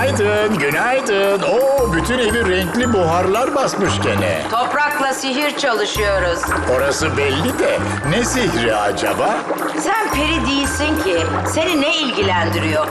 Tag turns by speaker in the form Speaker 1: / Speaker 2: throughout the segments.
Speaker 1: Günaydın, günaydın. Oo, bütün evi renkli buharlar basmış gene.
Speaker 2: Toprakla sihir çalışıyoruz.
Speaker 1: Orası belli de ne sihri acaba?
Speaker 2: Sen peri değilsin ki. Seni ne ilgilendiriyor?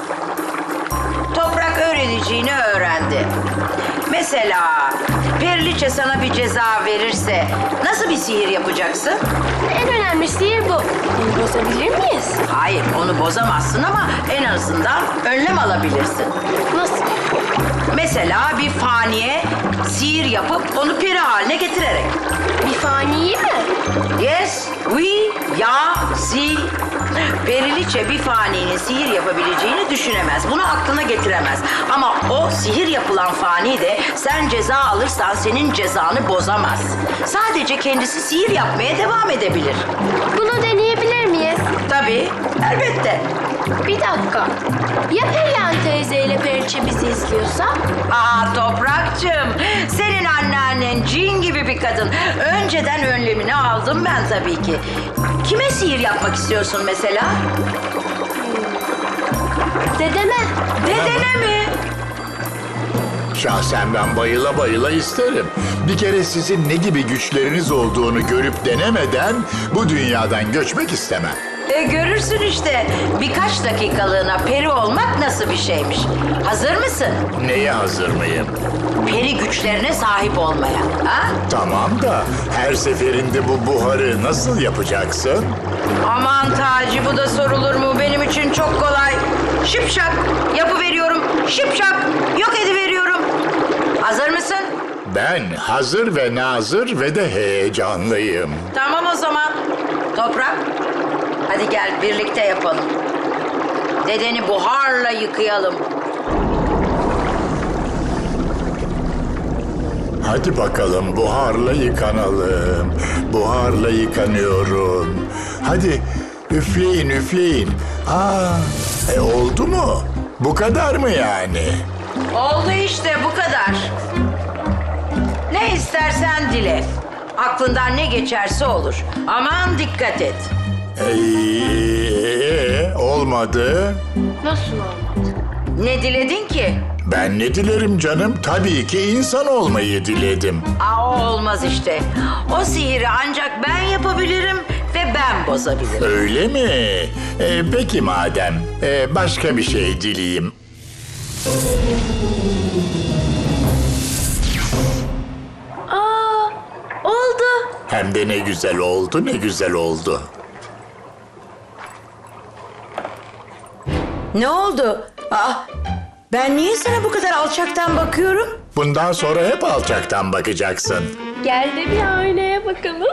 Speaker 2: Toprak öğreneceğini öğrendi. Mesela Periliçe sana bir ceza verirse nasıl bir sihir yapacaksın?
Speaker 3: En önemli sihir bu. Bunu bozabilir miyiz?
Speaker 2: Hayır, onu bozamazsın ama en azından önlem alabilirsin.
Speaker 3: Nasıl?
Speaker 2: Mesela bir faniye sihir yapıp onu peri haline getirerek.
Speaker 3: Bir faniyi mi?
Speaker 2: Yes, oui, ya, si. Periliçe bir faninin sihir yapabileceğini düşünemez. Bunu aklına getiremez. Ama o sihir yapılan fani de sen ceza alırsan senin cezanı bozamaz. Sadece kendisi sihir yapmaya devam edebilir.
Speaker 3: Bunu deneyebilir miyiz?
Speaker 2: Tabii, elbette.
Speaker 3: Bir dakika. Ya Perihan teyze ile Periçe bizi izliyorsa?
Speaker 2: Aa Toprakçığım, senin anneannen cin gibi bir kadın. Önceden önlemini aldım ben tabii ki. Kime sihir yapmak istiyorsun mesela?
Speaker 3: Dedeme.
Speaker 2: Dedene mi?
Speaker 1: Şahsen ben bayıla bayıla isterim. Bir kere sizin ne gibi güçleriniz olduğunu görüp denemeden bu dünyadan göçmek istemem.
Speaker 2: Görürsün işte. Birkaç dakikalığına peri olmak nasıl bir şeymiş. Hazır mısın?
Speaker 1: Neye hazır mıyım?
Speaker 2: Peri güçlerine sahip olmaya. Ha?
Speaker 1: Tamam da her seferinde bu buharı nasıl yapacaksın?
Speaker 2: Aman Taci, bu da sorulur mu? Benim için çok kolay. Şıpşak yapıveriyorum. Şıpşak yok ediveriyorum. Hazır mısın?
Speaker 1: Ben hazır ve nazır ve de heyecanlıyım.
Speaker 2: Tamam o zaman. Toprak, hadi gel birlikte yapalım. Dedeni buharla yıkayalım.
Speaker 1: Hadi bakalım buharla yıkanalım. Buharla yıkanıyorum. Hadi üfleyin üfleyin. Oldu mu? Bu kadar mı yani?
Speaker 2: Oldu işte, bu kadar. Ne istersen dile. Aklından ne geçerse olur. Aman dikkat et.
Speaker 1: Olmadı.
Speaker 3: Nasıl olmaz?
Speaker 2: Ne diledin ki?
Speaker 1: Ben ne dilerim canım? Tabii ki insan olmayı diledim.
Speaker 2: O olmaz işte. O sihiri ancak ben yapabilirim ve ben bozabilirim.
Speaker 1: Öyle mi? Peki madem. Başka bir şey dileyim.
Speaker 3: Oldu.
Speaker 1: Hem de ne güzel oldu, ne güzel oldu.
Speaker 2: Ne oldu? Ben niye sana bu kadar alçaktan bakıyorum?
Speaker 1: Bundan sonra hep alçaktan bakacaksın.
Speaker 3: Gel de bir aynaya bakalım.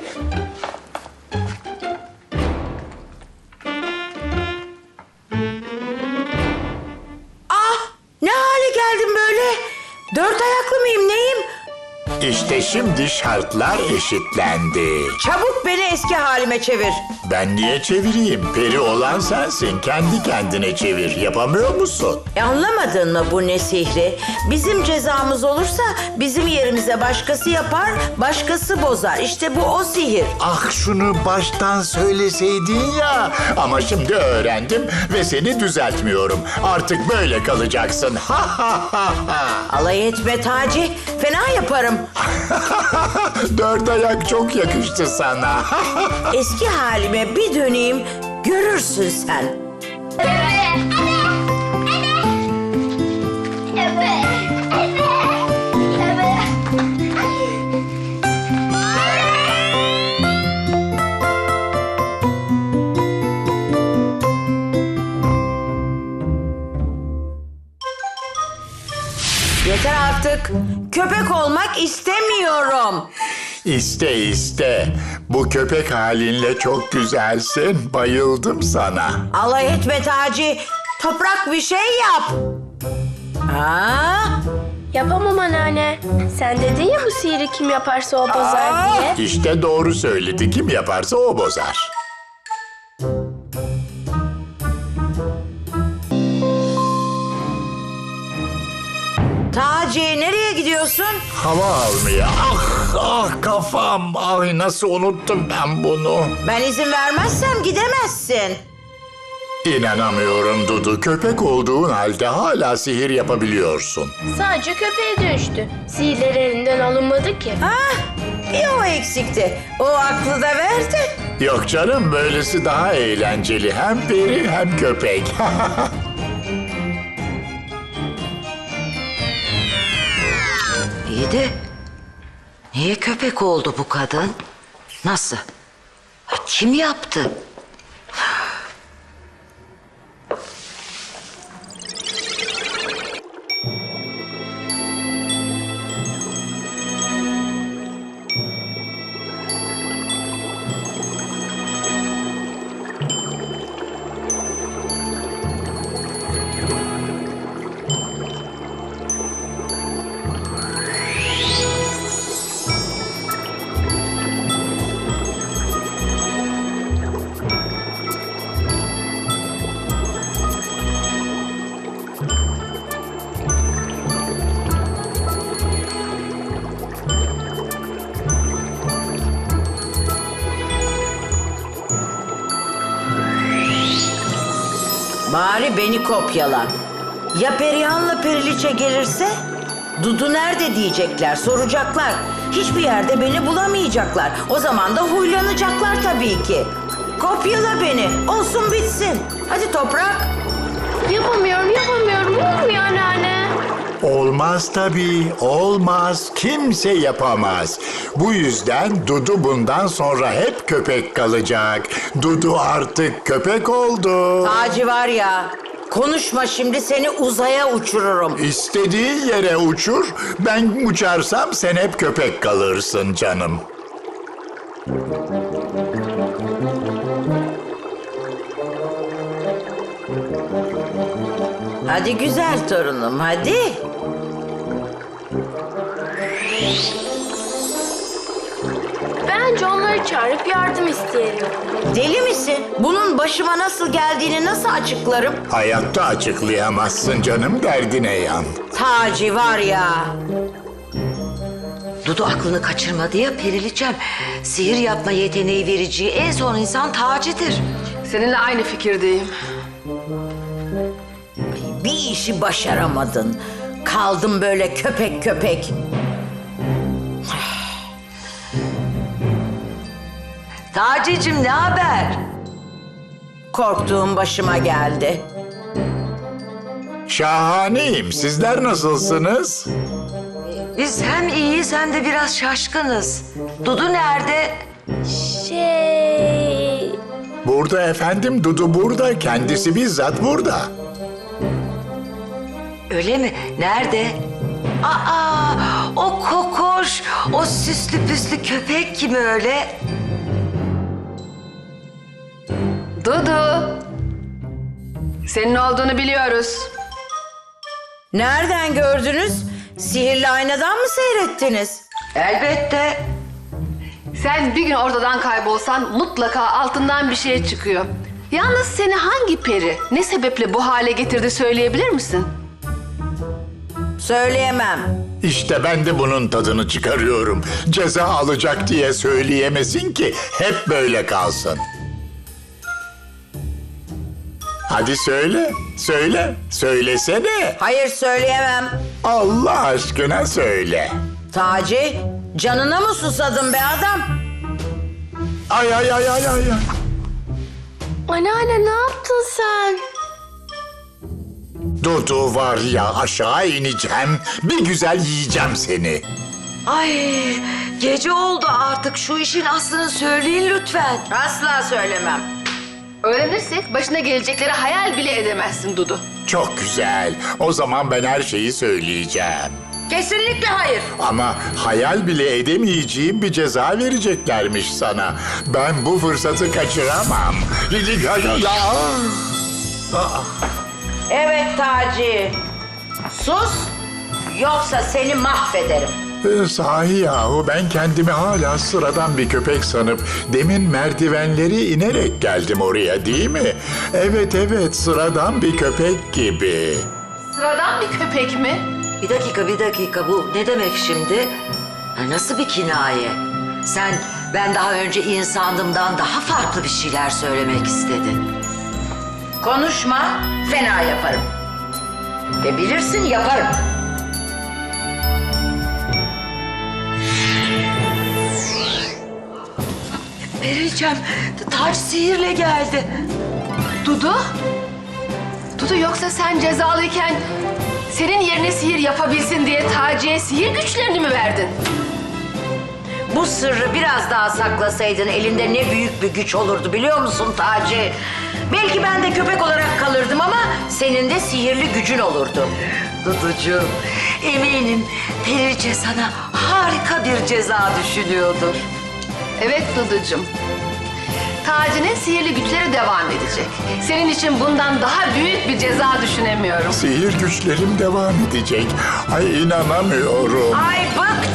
Speaker 2: Ne hale geldim böyle? Dört ayaklı mıyım, neyim?
Speaker 1: İşte şimdi şartlar eşitlendi.
Speaker 2: Çabuk beni eski halime çevir.
Speaker 1: Ben niye çevireyim? Peri olan sensin. Kendi kendine çevir. Yapamıyor musun?
Speaker 2: Anlamadın mı bu ne sihri? Bizim cezamız olursa bizim yerimize başkası yapar, başkası bozar. İşte bu o sihir.
Speaker 1: Ah şunu baştan söyleseydin ya. Ama şimdi öğrendim ve seni düzeltmiyorum. Artık böyle kalacaksın. Ha ha ha ha.
Speaker 2: Alay etme Taci, fena yaparım.
Speaker 1: Dört ayak çok yakıştı sana.
Speaker 2: Eski halime bir döneyim, görürsün sen. Yeter artık. Köpek olmak istemiyorum.
Speaker 1: İste iste. Bu köpek halinle çok güzelsin. Bayıldım sana.
Speaker 2: Alay etme Taci. Toprak bir şey yap.
Speaker 3: Yapamam anneanne. Sen dedin ya bu sihiri kim yaparsa o bozar diye.
Speaker 1: İşte doğru söyledi. Kim yaparsa o bozar.
Speaker 2: Taci, nereye gidiyorsun?
Speaker 1: Hava almaya. Ah kafam. Ay nasıl unuttum ben bunu.
Speaker 2: Ben izin vermezsem gidemezsin.
Speaker 1: İnanamıyorum Dudu. Köpek olduğun halde hala sihir yapabiliyorsun.
Speaker 3: Sadece köpeğe dönüştü. Sihirler elinden alınmadı ki.
Speaker 2: Ah, bir o eksikti. O aklı da verdi.
Speaker 1: Yok canım, böylesi daha eğlenceli. Hem peri hem köpek.
Speaker 2: İyi de niye köpek oldu bu kadın? Nasıl? Kim yaptı? Bari beni kopyala. Ya Perihan'la Periliçe gelirse? Dudu nerede diyecekler, soracaklar. Hiçbir yerde beni bulamayacaklar. O zaman da huylanacaklar tabii ki. Kopyala beni, olsun bitsin. Hadi Toprak.
Speaker 3: Yapamıyorum. Olmuyor anneanne.
Speaker 1: Olmaz tabii, olmaz. Kimse yapamaz. Bu yüzden Dudu bundan sonra hep köpek kalacak. Dudu artık köpek oldu.
Speaker 2: Taci var ya, konuşma şimdi, seni uzaya uçururum.
Speaker 1: İstediğin yere uçur. Ben uçarsam sen hep köpek kalırsın canım.
Speaker 2: Hadi güzel torunum, hadi.
Speaker 3: Bence onları çağırıp yardım isteyelim.
Speaker 2: Deli misin? Bunun başıma nasıl geldiğini nasıl açıklarım?
Speaker 1: Hayatta açıklayamazsın canım, derdine yan.
Speaker 2: Taci var ya. Dudu aklını kaçırmadı ya Periliçem. Sihir yapma yeteneği vereceği en son insan Taci'dir.
Speaker 4: Seninle aynı fikirdeyim.
Speaker 2: Bir işi başaramadın. Kaldım böyle köpek köpek. Taci'cim ne haber? Korktuğum başıma geldi.
Speaker 1: Şahaneyim. Sizler nasılsınız?
Speaker 2: Biz hem iyiyiz hem de biraz şaşkınız. Dudu nerede?
Speaker 1: Burada efendim, Dudu burada. Kendisi bizzat burada.
Speaker 2: Öyle mi? Nerede? Aa, o kokoş, o süslü püslü köpek kim öyle?
Speaker 4: Dudu. Senin olduğunu biliyoruz.
Speaker 2: Nereden gördünüz? Sihirli aynadan mı seyrettiniz? Elbette.
Speaker 4: Sen bir gün ortadan kaybolsan mutlaka altından bir şey çıkıyor. Yalnız seni hangi peri, ne sebeple bu hale getirdi söyleyebilir misin?
Speaker 2: Söyleyemem.
Speaker 1: İşte ben de bunun tadını çıkarıyorum. Ceza alacak diye söyleyemesin ki hep böyle kalsın. Hadi söyle, söylesene.
Speaker 2: Hayır söyleyemem.
Speaker 1: Allah aşkına söyle.
Speaker 2: Taci, canına mı susadın be adam?
Speaker 1: Ay.
Speaker 3: Anneanne ne yaptın sen?
Speaker 1: Dudu var ya, aşağı ineceğim, bir güzel yiyeceğim seni.
Speaker 2: Ay, gece oldu artık, şu işin aslını söyleyin lütfen. Asla söylemem.
Speaker 4: Öğrenirsek başına gelecekleri hayal bile edemezsin Dudu.
Speaker 1: Çok güzel. O zaman ben her şeyi söyleyeceğim.
Speaker 2: Kesinlikle hayır.
Speaker 1: Ama hayal bile edemeyeceğim bir ceza vereceklermiş sana. Ben bu fırsatı kaçıramam.
Speaker 2: Evet Taci. Sus, yoksa seni mahvederim.
Speaker 1: Sahi yahu, ben kendimi hala sıradan bir köpek sanıp demin merdivenleri inerek geldim oraya, değil mi? Evet, sıradan bir köpek gibi.
Speaker 4: Sıradan bir köpek mi?
Speaker 2: Bir dakika, bu ne demek şimdi? Ha, nasıl bir kinaye? Sen ben daha önce insandımdan daha farklı bir şeyler söylemek istedin. Konuşma, fena yaparım. Ve bilirsin yaparım.
Speaker 5: Periliçem, taç sihirle geldi.
Speaker 4: Dudu? Dudu yoksa sen cezalıyken senin yerine sihir yapabilsin diye Taci'ye sihir güçlerini mi verdin?
Speaker 2: Bu sırrı biraz daha saklasaydın elinde ne büyük bir güç olurdu biliyor musun Taci? Belki ben de köpek olarak kalırdım ama senin de sihirli gücün olurdu.
Speaker 5: Duducuğum, eminim Periliçe sana harika bir ceza düşünüyordur.
Speaker 4: Evet Duducuğum. Taci'nin sihirli güçleri devam edecek. Senin için bundan daha büyük bir ceza düşünemiyorum.
Speaker 1: Sihir güçlerim devam edecek. Ay inanamıyorum.
Speaker 2: Ay bıktım.